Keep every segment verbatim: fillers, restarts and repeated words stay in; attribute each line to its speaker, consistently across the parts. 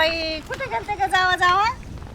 Speaker 1: बाई कुठे गेलते का जावा जावा?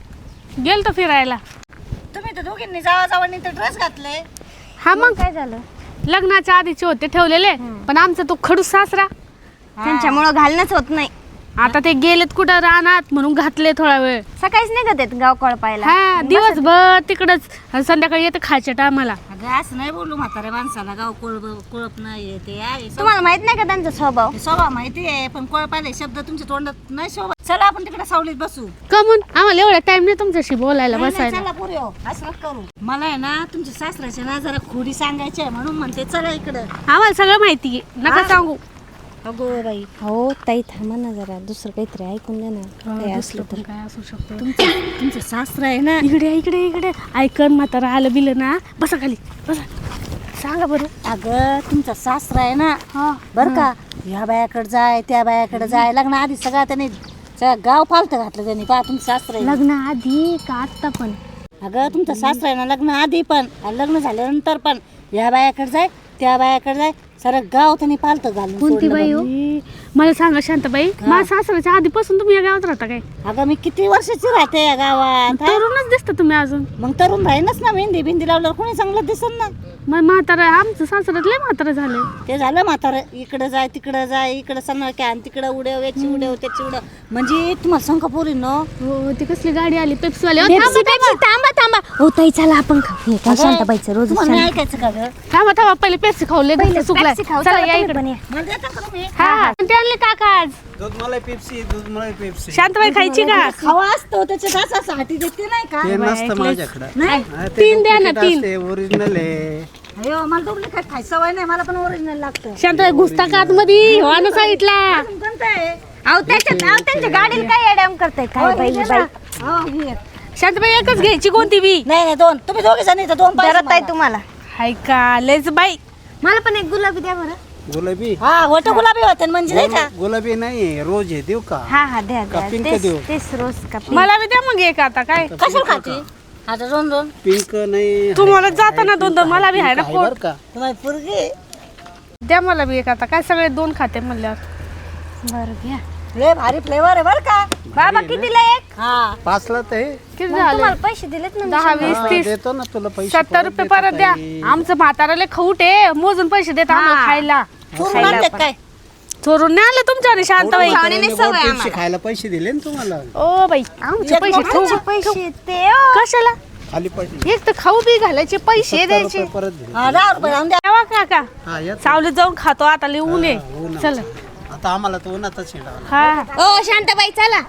Speaker 2: गेलतो फिरायला.
Speaker 1: तुम्ही तर दोघींनी जावा जावानी तर ड्रेस घातले.
Speaker 2: हा मग
Speaker 3: काय झालं?
Speaker 2: लग्नाच्या आधीचे होते ठेवलेले, पण आमचा तो खडूस सासरा
Speaker 3: त्यांच्यामुळं घालणंच होत नाही.
Speaker 2: आता ते गेलेत कुठं रानात म्हणून घातले थोडा वेळ.
Speaker 3: सकाळीच निघत आहेत गाव कळपायला.
Speaker 2: हा दिवसभर तिकडच, संध्याकाळी येते खायच्या टायमाला.
Speaker 1: अगं असं नाही बोलू म्हाताऱ्या माणसाला, गाव कोळप कोळप नाही ते आहे.
Speaker 3: तुम्हाला माहित नाही का त्यांचा स्वभाव?
Speaker 1: ते स्वभाव माहिती आहे, पण कोळपायला शब्द तुमच्या तोंडात नाही शोभत. चला आपण तिकडे सावलीत बसू.
Speaker 2: कमून आम्हाला एवढा टाइम नाही तुमच्याशी बोलायला
Speaker 1: नाही, नाही,
Speaker 2: बसायला.
Speaker 1: चला पुरे हो, असं नका करू. मला आहे ना तुमच्या सासऱ्याच्या ना जरा खोडी सांगायची आहे, म्हणून म्हणते चला इकडं.
Speaker 2: आम्हाला सगळं माहिती आहे, नका
Speaker 1: हा.
Speaker 2: सांगू.
Speaker 1: अगो बाई
Speaker 3: हो ताई थांबा ना जरा, दुसरं काहीतरी ऐकून द्या ना. काही असलं तर
Speaker 2: काय असू शकतो.
Speaker 1: तुमचं सासरा आहे ना,
Speaker 2: इकडे इकडे इकडे ऐकन म्हातारा आलं बिलं ना, बसा खाली बसा. सांगा बरं.
Speaker 1: अगं तुमचा सासरा आहे ना,
Speaker 2: हा
Speaker 1: बर का, ह्या बायाकडे जाय त्या बायाकडे जाय, लग्न आधी सगळा त्याने सगळं गाव फालत घातलं त्यांनी. पहा तुमचं सासरा आहे.
Speaker 2: लग्न आधी का आत्ता पण?
Speaker 1: अगं तुमचं सासरा आहे ना, लग्न आधी पण आणि लग्न झाल्यानंतर पण ह्या बायाकडे जाय त्या बायाकडे जाय, सारं गाव त्यांनी पालत घालून
Speaker 2: कोणती
Speaker 1: सोडलं
Speaker 2: बाई
Speaker 1: बघ.
Speaker 2: हो? मला सांगा शांताबाई, माझ्या सासऱ्याच्या आधीपासून तुम्ही या गावात राहता काय?
Speaker 1: अगं मी किती वर्षाची राहते या गावात. हा?
Speaker 2: तरुणच दिसता तुम्ही अजून.
Speaker 1: मग तरुण राहीनच ना, मेहंदी बिंदी लावल्यावर कोणी चांगलं दिसन ना.
Speaker 2: मग म्हातारा आमचं सासऱ्यात लय म्हातारा झाले.
Speaker 1: ते झालं म्हातारं, इकडं जाय तिकडं जाय, इकडं सन्ना काय आणि तिकडं उड्याव, याची उड्याव त्याची उड्याव. म्हणजे तुम्हाला सांग का पोरी न,
Speaker 2: हो ती कसली गाडी आली पेप्सीवाली. अहो,
Speaker 3: पेप्सी,
Speaker 2: थांबा,
Speaker 3: पेप्सी, थांबा थांबा. हो ताई चला आपण खाऊ. हे काय शांताबाईचं रोज
Speaker 1: तुम्हाला नाही ऐकायचं का गं?
Speaker 2: थांबा थांबा पहिले पेप्सी खाऊ, लय
Speaker 3: पहिले
Speaker 2: घसा सुकलाय.
Speaker 3: पेप्सी खाऊ,
Speaker 2: चला
Speaker 3: चला
Speaker 2: या
Speaker 3: तुम्ही
Speaker 2: इकडे.
Speaker 3: पण या.
Speaker 1: मला देता का तुम्ही?
Speaker 2: हा हा ते आणले काका आज.
Speaker 4: दूध मलाई पेप्सी दूध मलाई पेप्सी
Speaker 2: शांताबाई खायची का?
Speaker 1: खावा असतो त्याच्या तासासाठी देते नाही का?
Speaker 4: ते नसतं माझ्याकडं
Speaker 1: नाही
Speaker 4: हा, ते
Speaker 2: तीन द्या ना,
Speaker 4: duplicate
Speaker 2: तीन.
Speaker 4: असते, ओरिजिनल आहे.
Speaker 1: अयो मला डुप्लिकेट खायची सवय नाही, मला पण ओरिजिनल लागतं.
Speaker 2: शांताबाई घुसता का आतमध्ये? हो ना साईडला.
Speaker 1: अजून कोणतं आहे?
Speaker 3: अहो त्याच्या अहो त्यांच्या गाडीला काय एडॅम करताय काय बाई
Speaker 1: हे
Speaker 3: बाई.
Speaker 1: ना. हो, हे.
Speaker 2: शांताबाई एकच घ्यायची कोणती बी?
Speaker 1: नाही नाही दोन, तुम्ही दोघे जण इथं दोन पाहिजे
Speaker 3: जरा ताई
Speaker 1: मला.
Speaker 3: तुम्हाला
Speaker 2: हाय का लयच बाई.
Speaker 3: मला पण एक गुलाबी द्या बरं.
Speaker 4: गुलाबी
Speaker 1: हा वट गुलाबी होते ना, म्हणजे नाही का?
Speaker 4: गुलाबी नाही रोज आहे देऊ का?
Speaker 3: हा हा द्या
Speaker 4: का
Speaker 3: द्या
Speaker 4: पिंक
Speaker 3: तेच
Speaker 4: देऊ?
Speaker 3: तेच रोज का पिंक?
Speaker 2: मला बी द्या मग एक आता काय.
Speaker 1: कशाला खाते आता दोन दोन?
Speaker 4: पिंक नाही
Speaker 2: तुम्हाला जाताना दोन दोन, मला बी आहे ना
Speaker 4: आहे
Speaker 2: पोट.
Speaker 4: बरं का?
Speaker 1: तुम्हाला पोरगी
Speaker 2: द्या मला बी एक आता काय, सगळे दोन खाते म्हणल्यावर.
Speaker 3: बरं घ्या.
Speaker 1: लय भारी फ्लेवर आहे बर का.
Speaker 3: बाबा कितीला एक?
Speaker 1: हा
Speaker 4: पाचला तर आहे.
Speaker 2: किती
Speaker 3: मग
Speaker 2: झाले?
Speaker 3: तुम्हाला पैसे दिलेत ना मी.
Speaker 2: दहा वीस
Speaker 4: हा,
Speaker 2: तीस
Speaker 4: देतो ना तुला पैसे
Speaker 2: सत्तर
Speaker 4: परत
Speaker 2: रुपये
Speaker 4: देतो
Speaker 2: परत द्या.
Speaker 4: ताई.
Speaker 2: आमचं म्हाताराले खाऊट आहे, मोजून पैसे देत आम्हाला खायला.
Speaker 1: चोरून आणतात काय?
Speaker 2: चोरून नाही आले तुमच्या आणि शांताबाई.
Speaker 4: म्हाताऱ्याने
Speaker 3: नाही
Speaker 4: गोड
Speaker 3: सवय
Speaker 4: पेप्सी
Speaker 3: आम्हाला.
Speaker 4: खायला पैसे दिले ना तुम्हाला
Speaker 2: ओ बाई आमचे
Speaker 1: एक
Speaker 2: पैसे
Speaker 1: मोठं
Speaker 2: ठेवू.
Speaker 3: पैसे ते ओ.
Speaker 2: कशाला?
Speaker 4: खाली पडले
Speaker 2: एक तर खाऊ बी घालायचे पैसे
Speaker 4: सत्तर
Speaker 2: द्यायचे.
Speaker 4: रुपये परत दिले
Speaker 1: हा, दहा रुपये आणून द्या.
Speaker 2: तेव्हा काका
Speaker 4: हा येत
Speaker 2: सावलीत जाऊन खातो आता लय ऊन
Speaker 4: हा,
Speaker 2: आहे.
Speaker 4: ऊन आहे.
Speaker 2: चल
Speaker 4: आता आम्हाला तर उन्हातच हिंडावं
Speaker 2: हा
Speaker 3: ओ शांताबाई चला.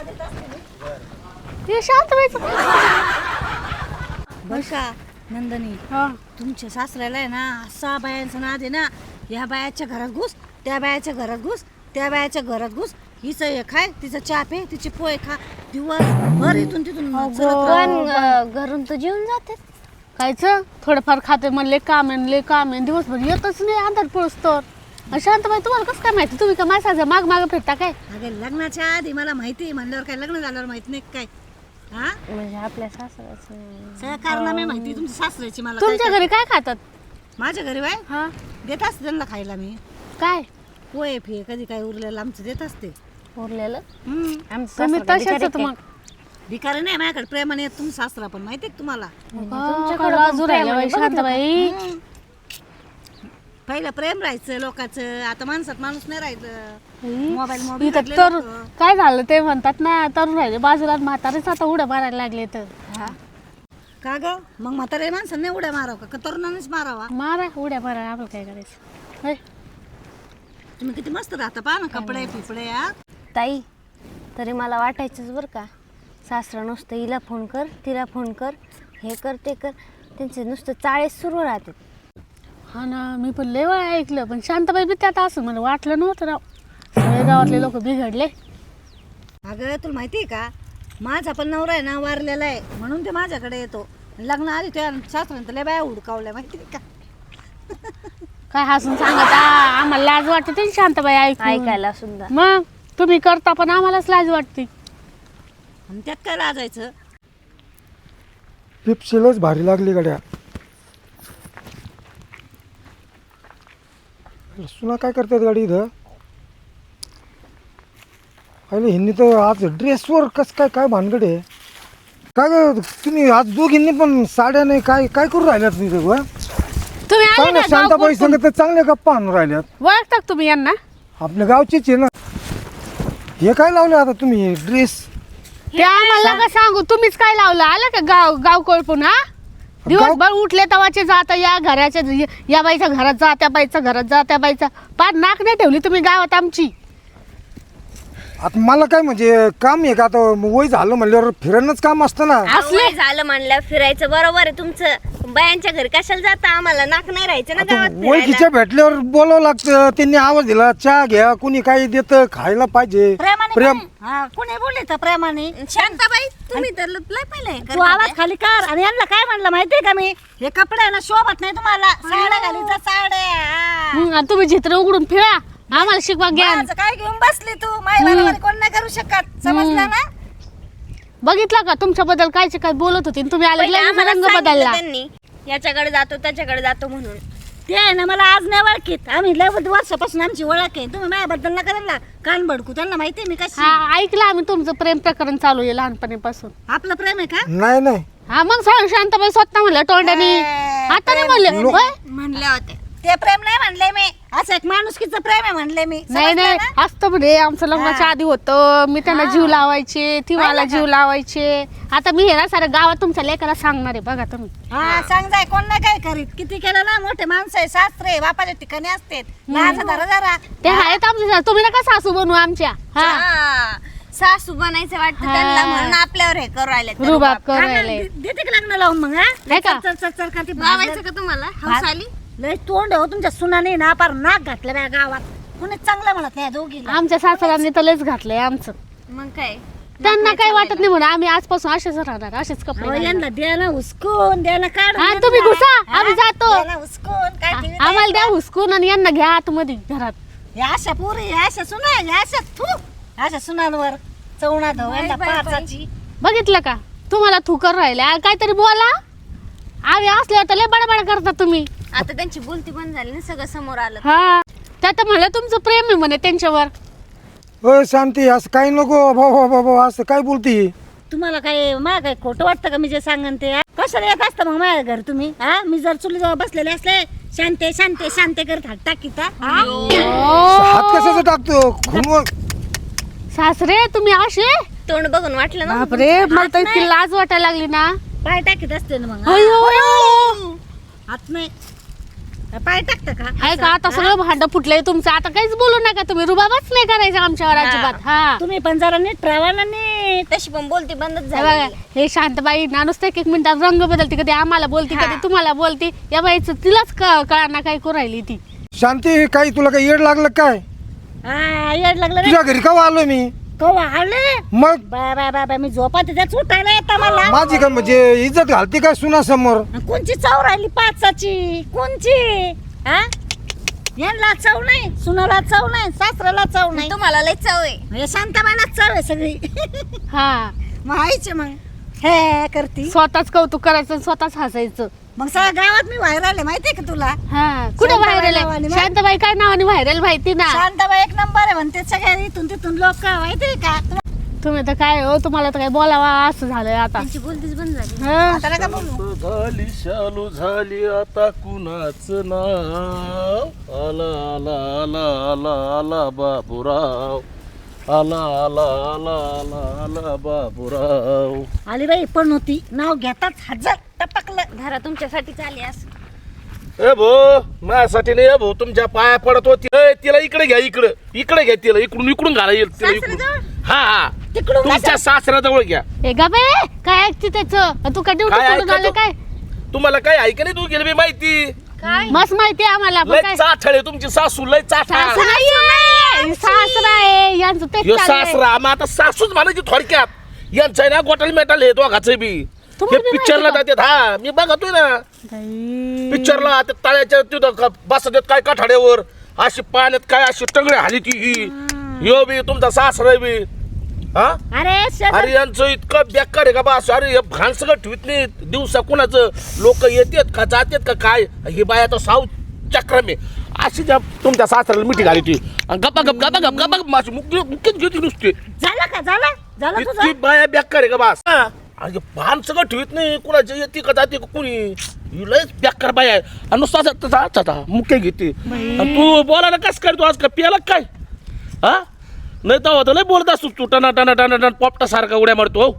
Speaker 2: हे शांताबाईचं.
Speaker 1: बर का नंदनी,
Speaker 2: हा.
Speaker 1: तुमच्या सासऱ्याला आहे ना असा बायांचा नाद आहे ना, या बायाच्या घरात घुस त्या बायाच्या घरात घुस त्या बायाच्या घरात घुस, हिचं हे खाय तिचं चहा पे तिचे पोहे खा, दिवस भर इथून तिथून चलत राहा.
Speaker 3: पण अं, घरून तर जेवून जाते.
Speaker 2: खायचं थोडंफार खाते म्हणले काम आहे लय काम आहे, दिवसभर येतच नाही अंधार पळसतो. शांताबाई तुम्हाला कसं काय माहिती? तुम्ही का माझ्या माग माग फिरता काय?
Speaker 1: अगं लग्नाच्या आधी मला माहिती म्हणल्यावर काय लग्न झाल्यावर माहित नाही काय? हा
Speaker 3: म्हणजे आपल्या सासऱ्याचं.
Speaker 1: सगळं कारनामे माहिती तुमच्या सासऱ्याची मला. काय
Speaker 2: तुमच्या
Speaker 1: काय?
Speaker 2: घरी काय खातात?
Speaker 1: माझ्या घरी बाय
Speaker 2: हा
Speaker 1: देत असते त्यांना खायला मी
Speaker 2: काय
Speaker 1: पोहे फे कधी काय उरलेलं आमचं देत असते.
Speaker 3: उरलेलं
Speaker 1: हम्म.
Speaker 3: आमचं
Speaker 2: तुम्ही
Speaker 3: सासरा
Speaker 2: तसेच
Speaker 3: बिचारे
Speaker 2: मग.
Speaker 1: भिकारी नाही माझ्याकडे प्रेमाने येत तुमचा सासरा पण माहिती आहे का तुम्हाला?
Speaker 2: तुमच्याकडे बाजू राहिल्या बाई शांताबाई.
Speaker 1: हम्म. पहिलं प्रेम राहायचं लोकांचं, आता माणसात माणूस नाही राहायचं. मोबाईल मोबाईल
Speaker 2: इथं तर काय झालं ते म्हणतात ना, तरुण राहिले बाजूला म्हातारेच आता उड्या मारायला लागले तर.
Speaker 1: का ग मग म्हातारे माणसाने नाही उड्या मारावं का तरुणानेच मारावा?
Speaker 2: मारा उड्या मारायला आपलं काय करायचं. होय.
Speaker 1: तुम्ही किती मस्त राहता पहा ना, कपडे पिपडे. हा
Speaker 3: ताई तरी मला वाटायचंच बरं का, सासरा नुसतं हिला फोन कर तिला फोन कर हे कर ते कर, त्यांचे नुसतं चाळीस सुरू राहतात.
Speaker 2: हा ना मी पण लय वेळा ऐकलं, पण शांताबाई बी त्यात असं मला वाटलं नव्हतं राव. सगळे गावातले लोक बिघडले.
Speaker 1: अगं तुला माहिती आहे का, माझा पण नवरा आहे ना वारलेला आहे, म्हणून ते माझ्याकडे येतो. लग्न आधी त्या सासऱ्यानं लय बाया हुडकावल्या माहिती आहे का?
Speaker 2: काय हसून सांगत आ, आम्हाला लाज वाटते ते शांताबाई ऐकून.
Speaker 3: ऐकायला सुद्धा.
Speaker 2: मग तुम्ही करता पण आम्हालाच लाज वाटते.
Speaker 1: आणि त्यात काय लाजायचं?
Speaker 5: पेप्सीलाच भारी लागली गाड्या. सुना काय करतात गाडी इथं? अरे ह्यांनी तर आज ड्रेसवर कस काय काय भानगड आहे काय ग तुम्ही आज दोघींनी पण साड्या नाही काय काय करू राहिल्यात तुम्ही दोघं?
Speaker 2: तुम्ही आले
Speaker 5: चांगल्या
Speaker 2: ना
Speaker 5: शांताबाई
Speaker 2: गाव
Speaker 5: संग तर चांगल्या गप्पा आणून राहिल्यात
Speaker 2: ओळखता का तुम्ही यांना?
Speaker 5: आपल्या गावचीच आहे ना. हे काय लावले आता तुम्ही ड्रेस?
Speaker 2: ते आम्हाला का सांगू, तुम्हीच काय लावलं? आलं का गाव गाव कोळपून? हा दिवसभर उठले तवाचे जाता या घराच्या या बाईच्या घरात जा, त्या बाईच्या घरात जा, त्या बाईचा पार नाक नाही ठेवली तुम्ही गावात आमची.
Speaker 5: आता मला काय म्हणजे काम आहे का आता वय झालं म्हणल्यावर फिरणंच काम असतं ना.
Speaker 3: असले झालं म्हणलं फिरायचं बरोबर आहे तुमचं. बायांच्या घरी कशाला जाता? आम्हाला नाक नाही राहायचं ना
Speaker 5: आता
Speaker 3: गावात फिरायला.
Speaker 5: ओळखीच्या भेटल्यावर बोलावं लागतं. त्यांनी आवाज दिला चहा घ्या, कुणी काही देतं खायला पाहिजे.
Speaker 1: प्रेमाने
Speaker 5: प्रेम
Speaker 1: कोणी- हा, कोणी बोलले तर प्रेमाने.
Speaker 3: शांताबाई तुम्ही तर लय पहिले हे
Speaker 1: तू
Speaker 3: करता
Speaker 1: आवाज
Speaker 3: ते.
Speaker 1: खाली कर. आणि यांना काय म्हणलं माहितीये का मी, हे कपडे आहे ना शोभत नाही तुम्हाला. साड्या घाली तर साड्या हा.
Speaker 2: हं, आणि तुम्ही चित्र उघडून फिरा, आम्हाला शिकवा ज्ञान.
Speaker 1: माझं काय घेऊन बसली तू? माय बरोबर कोण नाही करू शकत, समजलं ना?
Speaker 2: बघितलं का तुमच्याबद्दल कायचे काय बोलत होते आणि तुम्ही आले
Speaker 3: पहिले
Speaker 2: लगेच
Speaker 3: आम्हाला
Speaker 2: रंग
Speaker 3: सांगितलं
Speaker 2: बदलला.
Speaker 3: त्यांनी याच्याकडे जातो त्याच्याकडे जातो म्हणून.
Speaker 1: ते आहे ना मला आज नाही ओळखीत. आम्ही लय वर्षापासून आमची ओळख आहे. तुम्ही माझ्याबद्दल ना करायला कान भडकू. त्यांना माहिती आहे मी कशी.
Speaker 2: हा ऐकलं आम्ही तुमचं प्रेम प्रकरण चालू आहे लहानपणीपासून.
Speaker 1: आपलं प्रेम आहे का?
Speaker 5: नाही नाही
Speaker 2: हा मग सांग शांताबाई स्वतः म्हणलं तोंडाने.
Speaker 1: ए,
Speaker 2: आता नाही
Speaker 1: प्रेम-
Speaker 2: म्हणले
Speaker 5: लो-
Speaker 2: होय?
Speaker 3: म्हणल्या होत्या.
Speaker 1: ते प्रेम नाही म्हणले मी. असं एक माणुसकीचं प्रेम आहे म्हणले मी.
Speaker 2: नाही
Speaker 1: समजलं
Speaker 2: नाही
Speaker 1: ना?
Speaker 2: असतं म्हणजे आमचं लग्नाच्या आधी होतं. मी त्यांना जीव लावायचे, ती मला जीव लावायचे. आता मी हे ना साऱ्या गावात तुमच्या लेकाला सांगणार आहे बघा तुम्ही.
Speaker 1: हा सांग जाय. कोण नाही काय करीत. किती केलं ना, मोठे माणसं आहे, सासरे आहे, बापाच्या ठिकाणी असते. लहान धरा जरा.
Speaker 2: ते आहेत आमच्या, तुम्ही नका सासू बनवू आमच्या. हा
Speaker 3: हा. सासू बनायचं वाटतं
Speaker 2: हा.
Speaker 3: त्यांना म्हणून आपल्यावर हे करू राहिले ते
Speaker 2: रुबाब
Speaker 3: रुबाब.
Speaker 2: करू राहिले.
Speaker 1: देते का लग्न लावून मग? हा
Speaker 2: नाही का?
Speaker 1: चल चल चल करते.
Speaker 3: लावायचं का तुम्हाला हौस आली?
Speaker 1: लय तोंड हो तुमच्या सुनाने ना पार नाक घातलं बा गावात. कुणी चांगलं म्हणत नाही दोघीला.
Speaker 2: आमच्या सासऱ्यांनी तर लयच घातलंय आमचं.
Speaker 3: मग काय
Speaker 2: त्यांना काही वाटत नाही म्हणून आम्ही आजपासून असेच राहणार, असेच कपडे
Speaker 1: अहो,
Speaker 2: घालणार.
Speaker 1: यांना द्या ना हुसकून, द्या ना काढून.
Speaker 2: हा,
Speaker 1: यांना.
Speaker 2: तुम्ही घुसा,
Speaker 1: हा?
Speaker 2: आम्ही जातो.
Speaker 1: द्या ना हुसकून. काय
Speaker 2: आ-
Speaker 1: टीव्ही
Speaker 2: आम्हाला द्या हुसकून आणि यांना घ्या आतमध्ये घरात.
Speaker 1: या अशा पुरी, या अशा सुना, या अशा थू अशा सुनांवर चवणा धव यांना
Speaker 3: बाई, बाई,
Speaker 1: पाचाची.
Speaker 2: बघितलं का तुम्हाला थुकर राहिल्या काहीतरी बोला. आम्ही असल्यावर तर लय बडबड करता तुम्ही.
Speaker 3: आता त्यांची बोलती बंद झाली ना, सगळं समोर आलं.
Speaker 2: हा त्यात म्हणलं तुमचं प्रेम आहे म्हणे त्यांच्यावर.
Speaker 5: होय शांती असं काही नको बाबा बाबा असं काय बोलती.
Speaker 1: तुम्हाला काय मला काय खोटं वाटतं का मी जे सांगन ते? हा? कशाला येत असतं मग माझ्या घर तुम्ही? हा मी जर चुलीजवळ बसलेले असले शांते शांते शांते करत हात टाकीत. हा?
Speaker 5: हात कशाचा टाकतो खुनवून?
Speaker 2: सासरे तुम्ही असे?
Speaker 3: तोंड बघून वाटलं ना
Speaker 2: बापरे मला तर इतकी लाज वाटायला लागली ना.
Speaker 1: पाय टाकीत असते ना मग. हा?
Speaker 2: अयो
Speaker 1: हात नाही पाय टाकता का?
Speaker 2: आहे का आता सगळं भांड फुटलंय तुमचं. आता काहीच बोलू नका तुम्ही, रुबाबच नाही करायचं आमच्यावर अजिबात. हा
Speaker 1: तुम्ही पण जरा नीट राहा ना नीट.
Speaker 3: तशी पण बोलती बंदच
Speaker 2: हे बघा,
Speaker 3: झाली.
Speaker 2: हे शांतबाई ना नुसतं एक एक मिनिटात रंग बदलते, कधी आम्हाला बोलते कधी तुम्हाला बोलते. या बाईचं तिलाच कळाना काय करू राहिली ती.
Speaker 5: शांती काही तुला काही येड लागलं काय?
Speaker 1: हा येड लागलं रे.
Speaker 5: तुझ्या घरी का आलोय मी?
Speaker 1: कवा आले?
Speaker 5: मग
Speaker 1: बाय बाय बाय बाय मी झोपा त्याच उठायला येतं मला.
Speaker 5: माझी का म्हणजे इज्जत घालते काय सुना समोर?
Speaker 1: कोणची चव राहिली पाचाची? कोणची? हा यांना चव नाही, सुनाला चव नाही, सासऱ्याला चव नाही.
Speaker 3: तुम्हाला लय चव आहे.
Speaker 1: म्हणजे शांताबाईला चव आहे सगळी.
Speaker 2: हा
Speaker 1: मग आईचे मग हे करती.
Speaker 2: स्वतःच कौतुक करायचं आणि स्वतःच हसायचं.
Speaker 1: मग सगळ्या गावात मी व्हायरल आहे माहितीये का तुला?
Speaker 2: हा कुठे
Speaker 1: शांताबाई
Speaker 2: व्हायरल
Speaker 1: नावाने
Speaker 2: आहे?
Speaker 1: मग?
Speaker 2: शांताबाई काय नावाने व्हायरल माहिती ना?
Speaker 1: शांताबाई एक नंबर आहे म्हणते सगळ्या इथून तिथून लोक. माहितीये का?
Speaker 2: तुम्ही तर काय हो, तुम्हाला तर काय बोलावा असं झालंय आता.
Speaker 3: त्यांची बोलतीच बंद झाली.
Speaker 2: हा.
Speaker 1: आता नका बोलू.
Speaker 6: झाली शालू झाली आता कुणाच नाव आला आला आला आला आला बाबूराव आला आला आला आला आला बाबूराव.
Speaker 1: आली बाई पण होती नाव घेताच हजार टपकलं.
Speaker 3: धारा तुमच्यासाठी आली असं.
Speaker 6: ए भो माझ्यासाठी नाही भाऊ, तुमच्या पाया पडत होती. ए, तिला इकडे घ्या, इकडे इकडे घ्या तिला, इकडून इकडून घाला येईल तिला इकडून.
Speaker 3: सासऱ्याजवळ?
Speaker 6: हा हा
Speaker 1: तिकडून
Speaker 6: तुमच्या सासऱ्याजवळ घ्या.
Speaker 2: ए गा बे काय ऐकते त्याचं? तू का ड्युटी
Speaker 6: काय
Speaker 2: सोडून आले
Speaker 6: ऐकतो?
Speaker 2: काय?
Speaker 6: तुम्हाला काय ऐक नाही, तू गेली बी माहिती.
Speaker 2: मस्त माहिती आहे आम्हाला. पण
Speaker 6: लय
Speaker 2: काय
Speaker 6: चाठळ आहे तुमची सासू, लय चाठळ.
Speaker 2: सासू नाहीये, सासरा आहे यांचं तेच
Speaker 6: यो
Speaker 2: चालू आहे.
Speaker 6: सासरा मग आता सासूच म्हणायची थोडक्यात. यांचं आहे ना गोटाल मेटाल हे दोघाचं बी. हे
Speaker 2: तुम्हाला बी
Speaker 6: पिक्चरला
Speaker 2: माहिती
Speaker 6: जातात. हा मी बघतोय ना
Speaker 2: बाई.
Speaker 6: पिक्चरला ते तळ्याच्या तिथं बसतात काय काठाड्यावर अशी पाण्यात काय अशी टंगडे हाली ती ही यो बी तुमचा सासरा बी. हा
Speaker 1: अरे शेजार-
Speaker 6: अरे यांचं इतकं बेकार आहे का बस. अरे हे भान सगळं ठेवत नाही दिवसा कुणाचं. लोक येतात का जातात का काय. ही बाया तर साव चक्रम आहे. अशी ज्या तुमच्या सासऱ्याला मिठी घाली ती आणि गप्पा गप गप्पा गप गप्पा गप माझी मुक्की मुक्कीच घेतली नुसती
Speaker 1: झालं का झालं झालं
Speaker 6: इतकी
Speaker 1: तुझं
Speaker 6: बाया बेकार आहे का बास हा. आणि भान सगळं ठेवत नाही कुणाची येते का जाते का कुणी ही लयच बेकार बाया आहे आणि नुसता असं तसा अच्छा मुक्के घेते आणि तू बोलायला कस काय तू आज का पियाला काय हा नाही तर होतं लय बोलत असतो तू टना टना टना टना पोपटा सारखा उड्या मारतो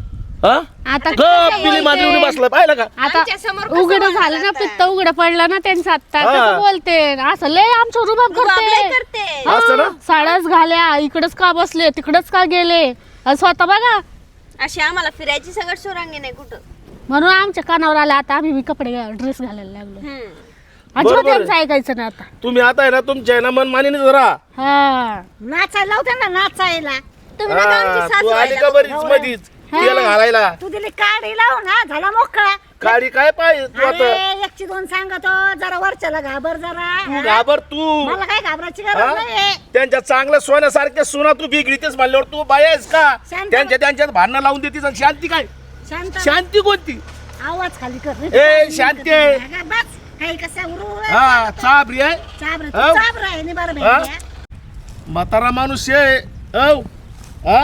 Speaker 6: हा
Speaker 2: आता
Speaker 6: गप पिली मांजरी बसला पाहिलं का
Speaker 2: आता उघड झालं ना पित्त उघड पडलं ना त्यांचं आता
Speaker 6: हा.
Speaker 2: कसं बोलते असं लय आमचं रुबाब करते
Speaker 3: करते
Speaker 6: असं ना
Speaker 2: साड्याच घाल्या इकडच का बसले तिकडच का गेले आणि स्वतः बघा
Speaker 3: अशी आम्हाला फिरायची सगळं सोरांगी नाही कुठं.
Speaker 2: म्हणून आमच्या कानावर आला आता आम्ही बी कपडे ड्रेस घालायला लागलो
Speaker 3: हम्म.
Speaker 2: अजिबात
Speaker 6: बरोबर आहे.
Speaker 2: यांचं ऐकायचं ना आता
Speaker 6: तुम्ही आता आहे ना तुमच्या आहे ना मन मानीने जरा
Speaker 2: हा
Speaker 1: नाचायला लावते ना नाचायला
Speaker 3: तुम्ही नका आमची
Speaker 6: हा,
Speaker 3: सासू
Speaker 6: तू आली का बरीच मधीच तिला घालायला
Speaker 1: तू दिली काढी लावून हा झाला मोकळा
Speaker 6: काळी काय पाहिजे तू आता
Speaker 1: अरे एकची दोन सांगतो जरा वरच्याला घाबर जरा
Speaker 6: तू
Speaker 1: हा?
Speaker 6: घाबर तू
Speaker 1: मला काय घाबरायची
Speaker 6: हा?
Speaker 1: गरज नाही
Speaker 6: त्यांच्या चांगल्या सोन्यासारख्या सुना तू बिगडीतेस म्हणल्यावर तू बाया आहेस का
Speaker 1: शांत.
Speaker 6: त्यांच्या त्यांच्यात भांडणं लावून देतीस आणि शांती काय
Speaker 1: शांत
Speaker 6: शांती कोणती
Speaker 1: आवाज खाली कर
Speaker 6: ए, शांती.
Speaker 1: बस काही कसं उरू
Speaker 6: हा चाबरी आहे
Speaker 1: चाबर
Speaker 6: हो.
Speaker 1: चाबर आहे नि बरं
Speaker 6: हा?
Speaker 1: भेटल्या
Speaker 6: म्हातारा माणूस आहे औ हा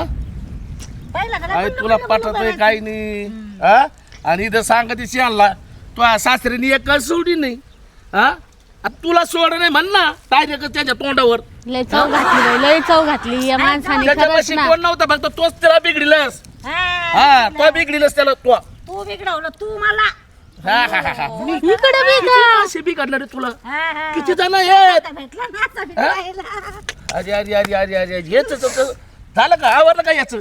Speaker 1: पहिला का
Speaker 6: काय
Speaker 1: नाही
Speaker 6: तुला
Speaker 1: बोललो,
Speaker 6: पटत
Speaker 1: बोललो,
Speaker 6: आहे
Speaker 1: बोललो.
Speaker 6: काही नाही हा आणि इथं सांगतीस आणला तू सासरीने एक सोडी नाही हा आता तुला सोड नाही म्हण ना डायरेक्ट त्याच्या तोंडावर
Speaker 2: लय चव घातली बाई, लय चव घातली या माणसाने खरंच
Speaker 6: त्याच्यापाशी
Speaker 2: ना
Speaker 6: कोण नव्हता फक्त तोच त्याला बिघडिलस
Speaker 1: हा,
Speaker 6: हा तो बिघडिलस त्याला तो
Speaker 1: तू बिघडवलं तू मला
Speaker 6: हा हा हा हा
Speaker 2: इकडे बी का
Speaker 6: असे बिघडणार रे तुला
Speaker 1: हा, हा.
Speaker 6: किती जण आहेत
Speaker 1: आता भेटला ना आता भेटायला.
Speaker 6: अरे अरे अरे अरे अरे हेच झालं का आवरलं का याच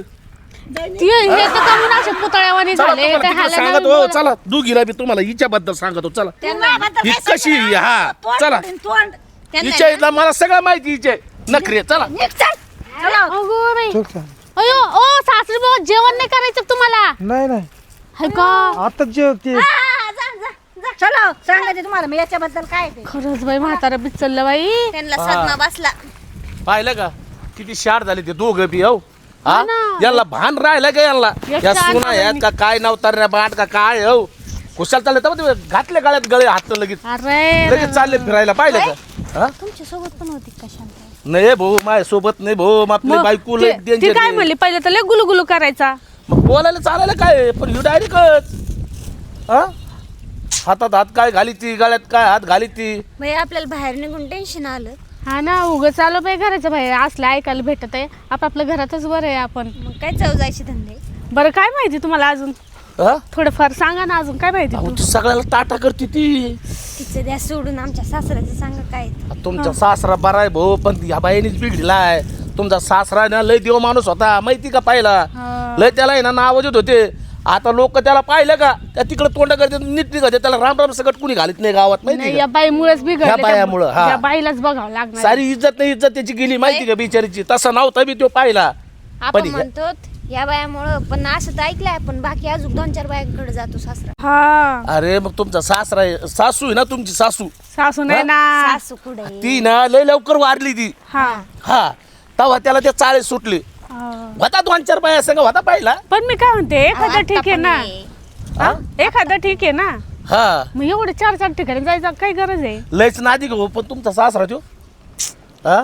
Speaker 2: ती हे तर कमी असे पुतळ्यावानी झाले काय हालं
Speaker 6: सांगत
Speaker 2: नाही
Speaker 6: हो चला दोघीला बी तुम्हाला हिच्याबद्दल सांगतो चला
Speaker 1: तुझ्याबद्दल
Speaker 6: ही
Speaker 1: काय
Speaker 6: कशी
Speaker 1: सांगणार?
Speaker 6: हा
Speaker 1: तोंड
Speaker 6: चला
Speaker 1: फोडीन, तोंड
Speaker 3: त्यांना
Speaker 6: हिच्या इथला मला सगळं माहिती हिचे नखरे चला
Speaker 1: निघ चल. चला.
Speaker 2: अगो बाई
Speaker 5: चल चल.
Speaker 2: अयो ओ सासरी बाबा जेवण नाही करायचं का तुम्हाला
Speaker 5: नाही नाही
Speaker 2: हाय का
Speaker 5: आता जे ते
Speaker 1: हा, जा, जा, जा. चला सांगायचे तुम्हाला मी याच्याबद्दल काय ते
Speaker 2: खरंच बाई म्हातारा बिचललं बाई
Speaker 3: त्यांना सदमा बसला.
Speaker 6: पाहिलं का किती शार झाले ते दोघं बी हो हा
Speaker 2: ना.
Speaker 6: यांना भान राहिलं का यांना
Speaker 2: एक
Speaker 6: या
Speaker 2: शार
Speaker 6: सुना आहेत का काय नवतार बांध का काय हो कुशाल चालले तर ते घातले गळ्यात गळे हात लगेच
Speaker 2: अरे
Speaker 6: लगेच चालले फिरायला पाहिलं का हा
Speaker 3: तुमच्या सोबत पण होती का शांत?
Speaker 6: नाही भाऊ माझ्या सोबत नाही भाऊ आपली
Speaker 2: मग
Speaker 6: बायको
Speaker 2: ते-
Speaker 6: लय
Speaker 2: ती
Speaker 6: danger
Speaker 2: काय
Speaker 6: आहे.
Speaker 2: म्हणली पहिले तर लय गुलुगुलू करायचा
Speaker 6: मग बोलायला चालायला काय आहे? पण ही डायरेक्टच हा हातात हात काय घाली ती गळ्यात काय हात घाली ती
Speaker 3: बाई आपल्याला बाहेर निघून टेन्शन आलं.
Speaker 2: हा ना उगं चालू बाई घराच्या बाहेर असलं ऐकायला भेटत आहे आपापल्या घरातच बरं आहे आपण
Speaker 3: मग काय चव जायचे धंदे.
Speaker 2: बरं काय माहिती तुम्हाला अजून
Speaker 6: हा
Speaker 2: थोडंफार सांगा ना अजून काय माहिती
Speaker 6: अहो,
Speaker 2: तू
Speaker 6: ती सगळ्याला टाटा करते ती
Speaker 3: तिचं द्या सोडून आमच्या सासऱ्याचं सांगा काय ते.
Speaker 6: तुमचा सासरा बरा आहे भाऊ पण या बाईनेच बिघडलाय तुमचा सासरा ना लय देव माणूस होता माहिती का पाहिला
Speaker 2: हा.
Speaker 6: लय त्याला आहे ना नाव देत होते आता लोक त्याला पाहिलं का त्या तिकडे तोंड करते नीट निघते त्याला राम राम सगळं कुणी घालीत नाही गावात
Speaker 2: नाही
Speaker 6: माहिती
Speaker 2: या
Speaker 6: का
Speaker 2: बाईमुळेच
Speaker 6: या
Speaker 2: बिघडले
Speaker 6: बायामुळं, हा.
Speaker 2: त्या बाईलाच बघावं लागणार
Speaker 6: सारी इज्जत नाही इज्जत त्याची गेली माहिती का बिचारीची तसा नव्हता बी तो पाहिला
Speaker 3: आपण
Speaker 6: पण
Speaker 3: म्हणतो या बायामुळं पण असं तर ऐकलंय आपण बाकी अजून दोन चार बायांकडे जातो सासरा.
Speaker 2: हा
Speaker 6: अरे मग तुमचा सासरा आहे सासू आहे ना तुमची सासू
Speaker 2: सासू नाही ना
Speaker 3: सासू कुठे
Speaker 6: ती ना लय लवकर वारली ती
Speaker 2: हा
Speaker 6: हा तेव्हा त्याला ते चाळे सुटले
Speaker 2: हा.
Speaker 6: होता दोन चार बाया संग होता पाहिला
Speaker 2: पण मी काय म्हणते एखादं ठीक आहे ना
Speaker 6: हा?
Speaker 2: एखादं ठीक आहे ना
Speaker 6: हा
Speaker 2: मग एवढे चार चार ठिकाणी जायचं काय गरज आहे
Speaker 6: लयच नादी गो पण तुमचा सासरा तो हा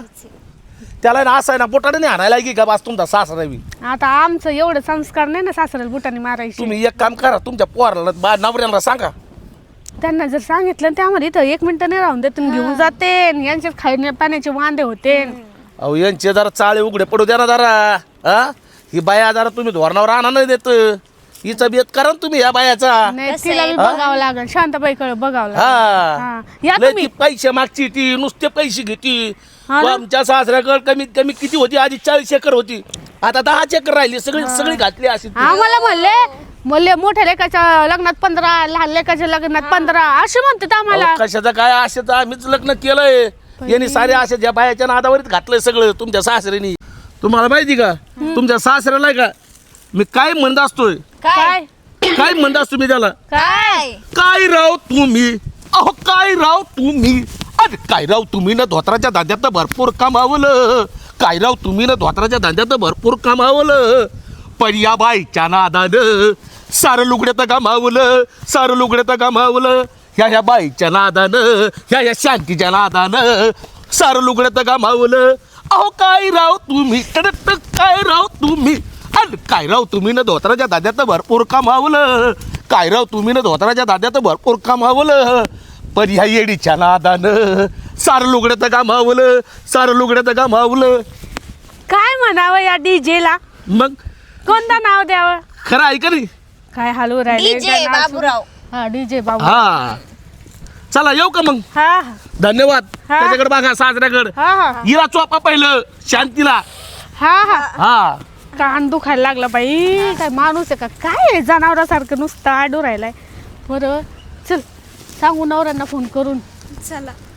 Speaker 6: त्याला ना असं आहे ना बोटाने नाही आणायला की का बास तुमचा सासरा बी
Speaker 2: आता आमचं एवढं संस्कार नाही ना सासऱ्याला बुटाने मारायचे
Speaker 6: तुम्ही एक काम करा तुमच्या पोराला बा नवऱ्याला सांगा
Speaker 2: त्यांना जर सांगितलं तर आम्हाला इथं एक मिनिटं नाही राहून देत घेऊन जाते यांच्यात खाण्या पाण्याचे वांदे होते
Speaker 6: अहो यांचे जरा चाळे उघडे पडू द्या ना जरा हा ही बाया जरा तुम्ही धोरणावर आणा नाही देत हिचा बेत करा ना तुम्ही या बायाचा
Speaker 2: नाही तिला बी बघावं लागेल शांताबाईकडे बघावं लागेल
Speaker 6: हा
Speaker 2: हा. या
Speaker 6: लय
Speaker 2: तुम्ही
Speaker 6: ती पैसे मागची ती नुसते पैसे घेती
Speaker 2: हा ना?
Speaker 6: आमच्या सासऱ्याकडे कमीत कमी किती होती आधी चाळीस एकर होती आता दहा एकर राहिली सगळी सगळी घातली अशी ती.
Speaker 2: आम्हाला म्हणले म्हणले मोठ्या लेकाच्या लग्नात पंधरा लहान लेकाच्या लग्नात पंधरा असे म्हणतात आम्हाला
Speaker 6: अहो, कशाचं काय आशेच आम्हीच लग्न केलंय यांनी सारे आशे ज्या बायाच्या नादावरच घातलंय सगळं तुमच्या सासऱ्यानी तुम्हाला माहिती का तुमच्या सासऱ्याला आहे का मी काय म्हणत असतोय
Speaker 2: काय
Speaker 6: काय म्हणत असतो मी त्याला
Speaker 3: काय
Speaker 6: काय राव तुम्ही अहो काय राव तुम्ही अरे काय राव तुम्ही ना धोत्राच्या धंद्यात भरपूर कमावलं काय राव तुम्ही ना धोत्राच्या धंद्यात भरपूर कमावलं पण या बाईच्या नादानं सारं लुगड्यात गमावलं सारं लुगड्यात गमावलं ह्या ह्या बाईच्या नादानं ह्या ह्या शांतीच्या नादानं सारं लुगड्यात गमावलं. अहो काय राव तुम्ही कडक काय राव तुम्ही अन काय राव तुम्ही ना धोत्राच्या दाद्यात भरपूर कमावलं. काय राव तुम्ही ना धोत्राच्या दाद्यात भरपूर कमावलं. पण ह्या येडीच्या नादानं सारं लुगड्यात गमावलं सारं लुगड्यात गमावलं.
Speaker 2: काय म्हणावं या डीजेला?
Speaker 6: मग
Speaker 2: कोणतं नाव द्यावं?
Speaker 6: खरं आहे का नाही?
Speaker 2: काय हलवू राहिले
Speaker 3: डीजे बाबूराव.
Speaker 2: हा डीजे बाबू.
Speaker 6: हा चला येऊ का मग.
Speaker 2: हा हा
Speaker 6: धन्यवाद.
Speaker 2: हा.
Speaker 6: त्याच्याकडे बघा साजऱ्याकडे
Speaker 2: हा हा
Speaker 6: हिला चोपा पहिलं शांतीला.
Speaker 2: हा हा
Speaker 6: हा
Speaker 2: कान दुखायला लागला बाई. काय माणूस आहे का काय जनावरासारखं नुसतं आडू राहिलाय. बरं चल सांगू नवऱ्यांना फोन करून.
Speaker 1: चला